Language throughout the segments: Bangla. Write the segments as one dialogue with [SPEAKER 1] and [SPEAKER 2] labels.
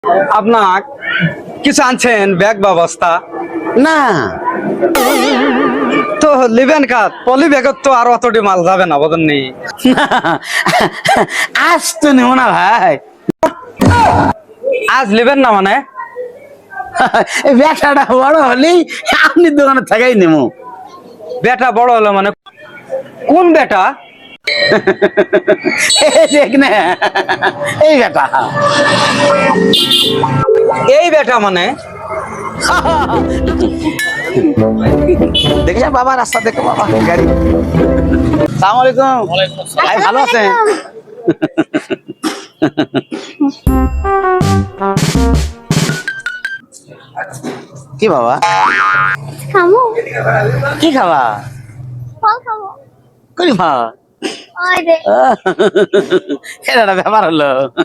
[SPEAKER 1] আপনার কিছু আনছেন ব্যাগ ব্যবস্থা
[SPEAKER 2] না
[SPEAKER 1] তো লিবেন কাত পলি ব্যাগত তো আর অতটি মাল যাবে না বদন নেই।
[SPEAKER 2] না, আজ তো নেব না ভাই।
[SPEAKER 1] আজ লিবেন না মানে
[SPEAKER 2] ব্যবসাটা বড় হলেই আপনি দোকানে থাকাই নেবো।
[SPEAKER 1] বেটা বড় হলো মানে কোন বেটা?
[SPEAKER 2] দেখ না, এই বেটা।
[SPEAKER 1] এই বেটা মানে
[SPEAKER 2] দেখে বাবা, রাস্তা দেখো বাবা, গাড়ি। সালাম আলাইকুম। ভাই ভালো আছেন? কি বাবা,
[SPEAKER 3] খামু
[SPEAKER 2] কি খাবা?
[SPEAKER 3] ফল খাবো
[SPEAKER 2] করি মা,
[SPEAKER 3] ওই রে
[SPEAKER 2] এটা একটা ব্যাপার হলো।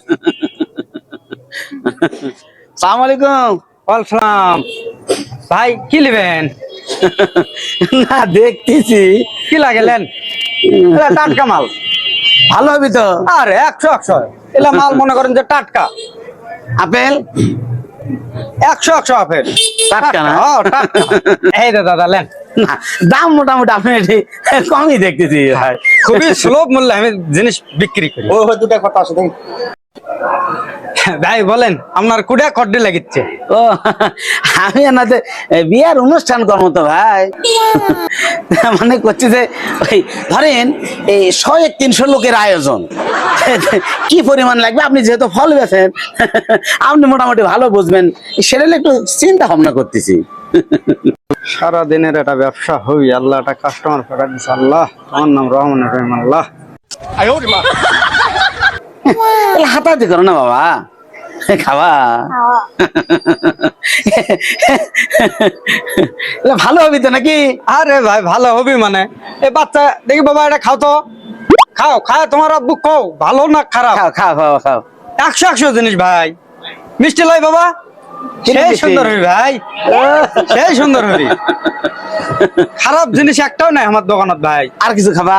[SPEAKER 2] সালাম আলাইকুম।
[SPEAKER 1] ওয়ালাইকুম ভাই কি লিবেন?
[SPEAKER 2] না দেখতেছি
[SPEAKER 1] কি লাগেলেন? টাটকা মাল
[SPEAKER 2] ভালো হবে তো।
[SPEAKER 1] আরে 100 এলা মাল মনে করেন যে টাটকা
[SPEAKER 2] আপেল
[SPEAKER 1] 100 আপেল
[SPEAKER 2] টাটকা না?
[SPEAKER 1] ও, টাটকা। এই যে দাদা লেন,
[SPEAKER 2] না, দাম মোটামুটি আপনি এটি কমই দেখতেছি ভাই।
[SPEAKER 1] খুবই সুলভ মূল্যে আমি জিনিস বিক্রি করি।
[SPEAKER 2] ও দুটা কথা আছে দেখি।
[SPEAKER 1] ভাই বলেন আপনার কুড়িয়া কড্ডি লাগিচ্ছে?
[SPEAKER 2] ও আমি এনাতে বিয়ার অনুষ্ঠান করবো তো ভাই। মানে করছি যে ওই ধরেন এই 100-300 লোকের আয়োজন, কি পরিমাণ লাগবে আপনি যেহেতু ফল বেছেন আপনি মোটামুটি ভালো বুঝবেন, সেটা নিয়ে একটু চিন্তা ভাবনা করতেছি।
[SPEAKER 1] সারা দিনের একটা ব্যবসা হই, আল্লাহ একটা কাস্টমার ফেরা দিচ্ছে। আল্লাহ আমার নাম রহমান রহিম। আল্লাহ
[SPEAKER 2] হাতাহাতি করো না বাবা, খাওয়া
[SPEAKER 3] খাওয়া
[SPEAKER 2] ভালো হবে তো নাকি?
[SPEAKER 1] আরে ভাই ভালো হবি মানে এই বাচ্চা দেখি বাবা এটা খাও তো, খাও খাও তোমার আব্বু খাও, ভালো না খারাপ?
[SPEAKER 2] খাও খাও খাও খাও।
[SPEAKER 1] 100 জিনিস ভাই। মিষ্টি লাই বাবা, সেই
[SPEAKER 2] মিষ্টি?
[SPEAKER 1] সুন্দর হবি ভাই, সেই সুন্দর হবি। খারাপ জিনিস একটাও নাই আমার দোকানত ভাই।
[SPEAKER 2] আর কিছু খাবা?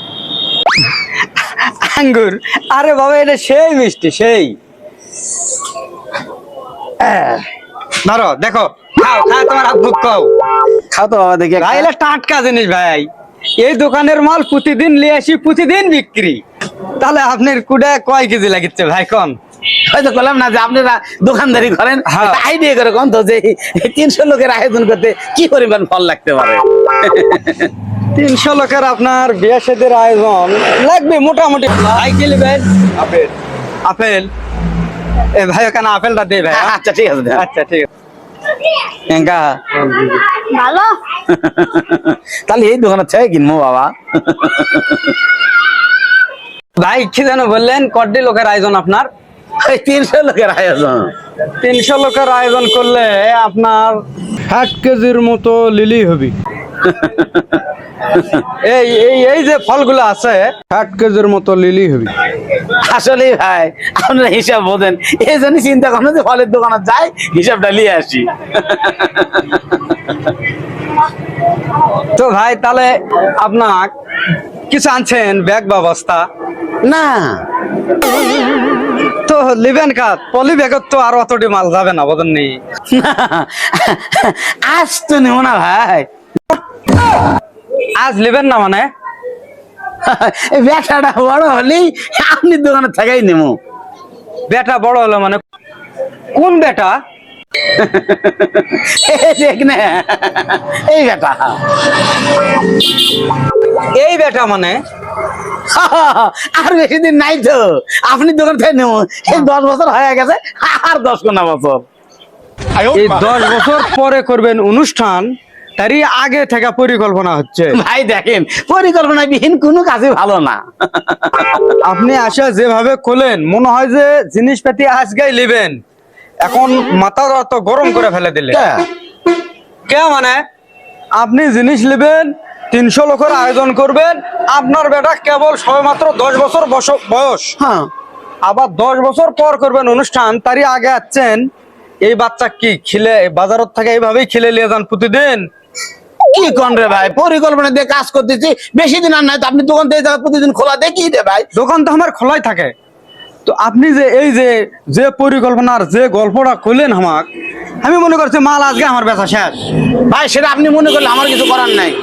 [SPEAKER 1] আঙ্গুর, আরে বাবা এটা সেই মিষ্টি সেই। ধরো দেখো, খাও খাও তোমার আব্বু খাও।
[SPEAKER 2] খাও তো বাবা দেখি একটা।
[SPEAKER 1] ভাই এটা টাটকা জিনিস ভাই, এই দোকানের মাল প্রতিদিন নিয়ে আসি, প্রতিদিন বিক্রি। তাহলে আপনার কুড়ে কয় কেজি লাগিচ্ছে ভাই কোন?
[SPEAKER 2] হয়তো বললাম না যে আপনারা দোকানদারি করেন,
[SPEAKER 1] হ্যাঁ।
[SPEAKER 2] আইডিয়া করে কোন তো যে 300 লোকের আয়োজন করতে কি পরিমাণ ফল লাগতে পারে।
[SPEAKER 1] 300 লোকের আপনার বিয়ে শাদীর আয়োজন লাগবে মোটামুটি। ভাই কি নেবেন? আপেল। আপেল, এ ভাই ওখানে আপেলটা দে ভাই।
[SPEAKER 2] আচ্ছা ঠিক আছে।
[SPEAKER 1] আচ্ছা ঠিক আছে।
[SPEAKER 2] এঙ্কা
[SPEAKER 3] ভালো
[SPEAKER 2] তাহলে এই দোকানে থেকে কিনবো বাবা।
[SPEAKER 1] ভাই কি যেন বললেন, কড্ডি লোকের আয়োজন আপনার?
[SPEAKER 2] 300 লোকের আয়োজন।
[SPEAKER 1] 300 লোকের আয়োজন করলে আপনার 60 কেজির মতো লিলি হবি। এই এই এই যে ফলগুলো আছে 60 কেজির মতো লিলি হবি।
[SPEAKER 2] আসলে ভাই আপনারা হিসাব বোঝেন, এই জন্য চিন্তা করেন যে ফলের দোকানে যাই হিসাবটা নিয়ে আসি।
[SPEAKER 1] তো ভাই তাহলে আপনার কিছু আনছেন ব্যাগ ব্যবস্থা
[SPEAKER 2] না
[SPEAKER 1] তো লিবেন কাত পলি ব্যাগত তো আর অতটি মাল যাবে না বদন নেই।
[SPEAKER 2] না, আজ তো নেব না ভাই।
[SPEAKER 1] আজ লিবেন না মানে
[SPEAKER 2] ব্যবসাটা বড় হলেই আপনি দোকানে থাকাই নেবো।
[SPEAKER 1] বেটা বড় হলো মানে কোন বেটা?
[SPEAKER 2] দেখ না, এই বেটা।
[SPEAKER 1] এই বেটা মানে
[SPEAKER 2] আর বেশি দিন নাই তো, আপনি দোকান থেকে নেবো। এই 10 বছর হয়ে গেছে, আর 10 কোনা বছর।
[SPEAKER 1] এই 10 বছর পরে করবেন অনুষ্ঠান, তারই আগে থেকে পরিকল্পনা হচ্ছে।
[SPEAKER 2] ভাই দেখেন, পরিকল্পনা বিহীন কোনো কাজই ভালো না।
[SPEAKER 1] আপনি আসা যেভাবে করলেন মনে হয় যে জিনিসপাতি আজকেই নেবেন, এখন মাথার অত গরম করে ফেলে দিলে। কে মানে আপনি জিনিস নেবেন, 300 লোকের আয়োজন করবেন, আপনার বেটা কেবল সবেমাত্র 10 বছর বয়স,
[SPEAKER 2] হ্যাঁ,
[SPEAKER 1] আবার 10 বছর পর করবেন অনুষ্ঠান, তারই আগে আছেন এই বাচ্চা কি খিলে বাজারত থেকে এইভাবেই খিলে নিয়ে যান প্রতিদিন?
[SPEAKER 2] কি কোন রে ভাই, পরিকল্পনা দিয়ে কাজ করতেছি, বেশি দিন আর নাই তো আপনি দোকান থেকে প্রতিদিন খোলা দেখি রে ভাই।
[SPEAKER 1] দোকান তো আমার খোলাই থাকে, তো আপনি যে এই যে যে পরিকল্পনার যে গল্পটা করলেন আমাক, আমি মনে করছি মাল আজকে আমার বেচা শেষ।
[SPEAKER 2] ভাই সেটা আপনি মনে করলে আমার কিছু করার নাই।